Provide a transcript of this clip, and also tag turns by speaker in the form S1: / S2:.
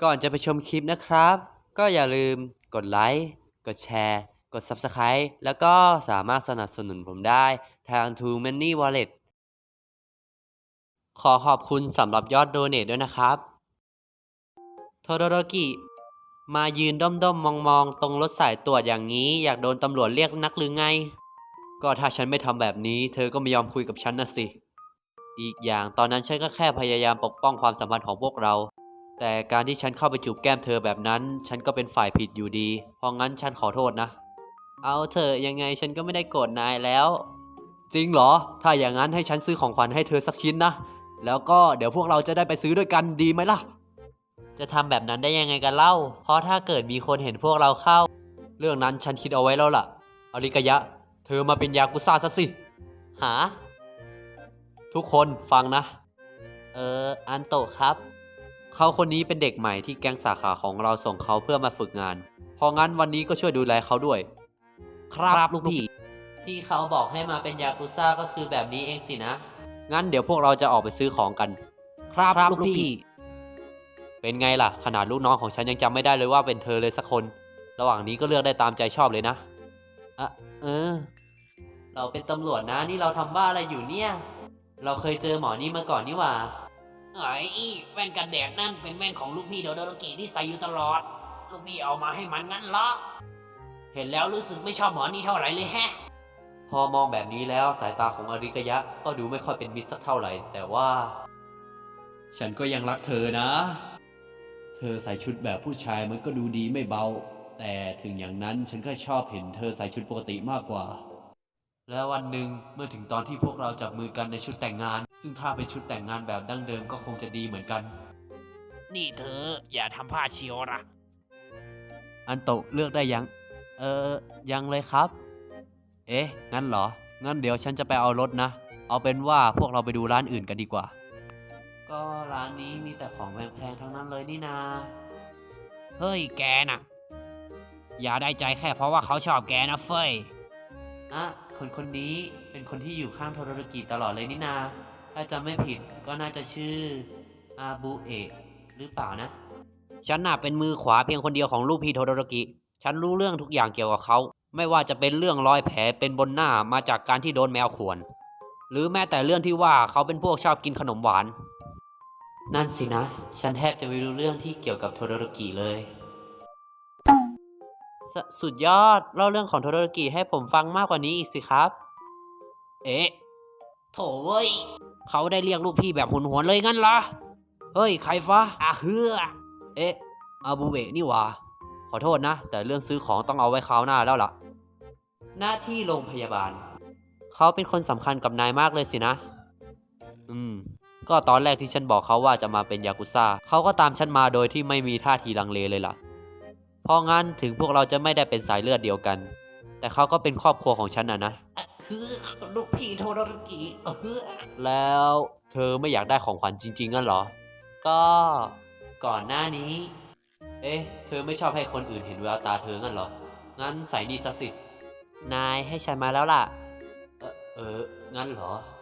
S1: ก่อนจะไปชมคลิปนะครับ ก็อย่าลืมกดไลค์ กดแชร์ กด Subscribe แล้วก็สามารถสนับสนุนผมได้ทาง True Money Wallet ขอขอบคุณสำหรับยอดโดเนทด้วยนะครับโทโดโรกิ มายืนด้อมๆมองๆตรงรถสายตรวจอย่างนี้อยากโดนตำรวจเรียกนักหรือไง ก็ถ้าฉันไม่ทำแบบนี้เธอก็ไม่ยอมคุยกับฉันนะสิ อีกอย่างตอนนั้นฉันก็แค่พยายามปกป้องความสัมพันธ์ของพวกเรา แต่การที่ฉันเข้าไปจูบแก้มเธอแบบนั้นฉันก็เป็นฝ่ายผิดอยู่ดี เพราะงั้นฉันขอโทษนะ เอาเถอะยังไงฉันก็ไม่ได้โกรธนายแล้ว จริงเหรอ ถ้าอย่างนั้นให้ฉันซื้อของขวัญให้เธอสักชิ้นนะ แล้วก็เดี๋ยวพวกเราจะได้ไปซื้อด้วยกันดีไหมล่ะ จะทำแบบนั้นได้ยังไงกันเล่า เพราะถ้าเกิดมีคนเห็นพวกเราเข้า เรื่องนั้นฉันคิดเอาไว้แล้วล่ะอาริกายะ เธอมาเป็นยากุซ่าซะสิ หา ทุกคนฟังนะ อันโตะครับ เขาคนนี้เป็นเด็กใหม่ที่แก๊งสาขาของเราส่งเขาเพื่อมาฝึกงาน เพราะงั้นวันนี้ก็ช่วยดูแลเขาด้วย ครับลูกพี่ ที่เขาบอกให้มาเป็นยากุซ่าก็คือแบบนี้เองสินะ งั้นเดี๋ยวพวกเราจะออกไปซื้อของกัน ครับลูกพี่ เป็นไงล่ะ ขนาดลูกน้องของฉันยังจำไม่ได้เลยว่าเป็นเธอเลยสักคน ระหว่างนี้ก็เลือกได้ตามใจชอบเลยนะเออ เราเป็นตำรวจนะนี่เราทำบ้าอะไรอยู่เนี่ย เราเคยเจอหมอนี่มาก่อนนี่หว่า
S2: ไอ้แว่นกันแดดนั่นเป็นแว่นของลูกพี่โดโดโรกิที่ใส่อยู่ตลอด ลูกพี่เอามาให้มันงั้นเหรอ เห็นแล้วรู้สึกไม่ชอบหมอนี่เท่าไหร่เลยแฮะ
S1: พอมองแบบนี้แล้วสายตาของอาริกายะก็ดูไม่ค่อยเป็นมิตรสักเท่าไหร่ แต่ว่า ฉันก็ยังรักเธอนะ เธอใส่ชุดแบบผู้ชายมันก็ดูดีไม่เบา แต่ถึงอย่างนั้นฉันก็ชอบเห็นเธอใส่ชุดปกติมากกว่า แล้ววันหนึ่งเมื่อถึงตอนที่พวกเราจับมือกันในชุดแต่งงาน ซึ่งถ้าเป็นชุดแต่งงานแบบดั้งเดิมก็คงจะดีเหมือนกัน
S2: นี่เธออย่าทำพลาดเชียวนะ
S1: อันโตะเลือกได้ยัง ยังเลยครับ เอ๊ะ งั้นเหรอ งั้นเดี๋ยวฉันจะไปเอารถนะ เอาเป็นว่าพวกเราไปดูร้านอื่นกันดีกว่า ก็ร้านนี้มีแต่ของแพงๆทั้งนั้นเลยนี่นา
S2: เฮ้ยแกน่ะ อย่าได้ใจแค่เพราะว่าเขาชอบแกนะเฟ้ย
S1: คนนี้เป็นคนที่อยู่ข้างโทโดโรกิตลอดเลยนี่นา ถ้าจำไม่ผิดก็น่าจะชื่ออาบุเอะหรือเปล่านะ ฉันน่ะเป็นมือขวาเพียงคนเดียวของลูกพี่โทโดโรกิ ฉันรู้เรื่องทุกอย่างเกี่ยวกับเขา ไม่ว่าจะเป็นเรื่องรอยแผลเป็นบนหน้ามาจากการที่โดนแมวข่วน หรือแม้แต่เรื่องที่ว่าเขาเป็นพวกชอบกินขนมหวาน นั่นสินะ ฉันแทบจะไม่รู้เรื่องที่เกี่ยวกับโทโดโรกิเลย สุดยอดเล่าเรื่องของโทโดโรกิให้ผมฟังมากกว่านี้อีกสิครับ
S2: เอ๊ะโถเว้ย เขาได้เรียกลูกพี่แบบหุนหวนเลยงั้นเหรอ
S1: เฮ้ย ใครฟ้า
S2: เฮือ
S1: เอ๊ะ อาบูเบะนี่หว่า ขอโทษนะ แต่เรื่องซื้อของต้องเอาไว้คราวหน้าแล้วล่ะ หน้าที่โรงพยาบาล เขาเป็นคนสำคัญกับนายมากเลยสินะ ก็ตอนแรกที่ฉันบอกเขาว่าจะมาเป็นยากุซ่า เขาก็ตามฉันมาโดยที่ไม่มีท่าทีลังเลเลยล่ะ เพราะงั้นถึงพวกเราจะไม่ได้เป็นสายเลือดเดียวกัน แต่เขาก็เป็นครอบครัวของฉันนะ
S2: คือลูกพี่โทโดโรกิเฮือ
S1: แล้วเธอไม่อยากได้ของขวัญจริงๆงั้นเหรอ ก็ก่อนหน้านี้ เอ๊ะ เธอไม่ชอบให้คนอื่นเห็นแววตาเธองั้นเหรอ งั้นใส่นี่ซะสิ นายให้ฉันมาแล้วล่ะ งั้นเหรอ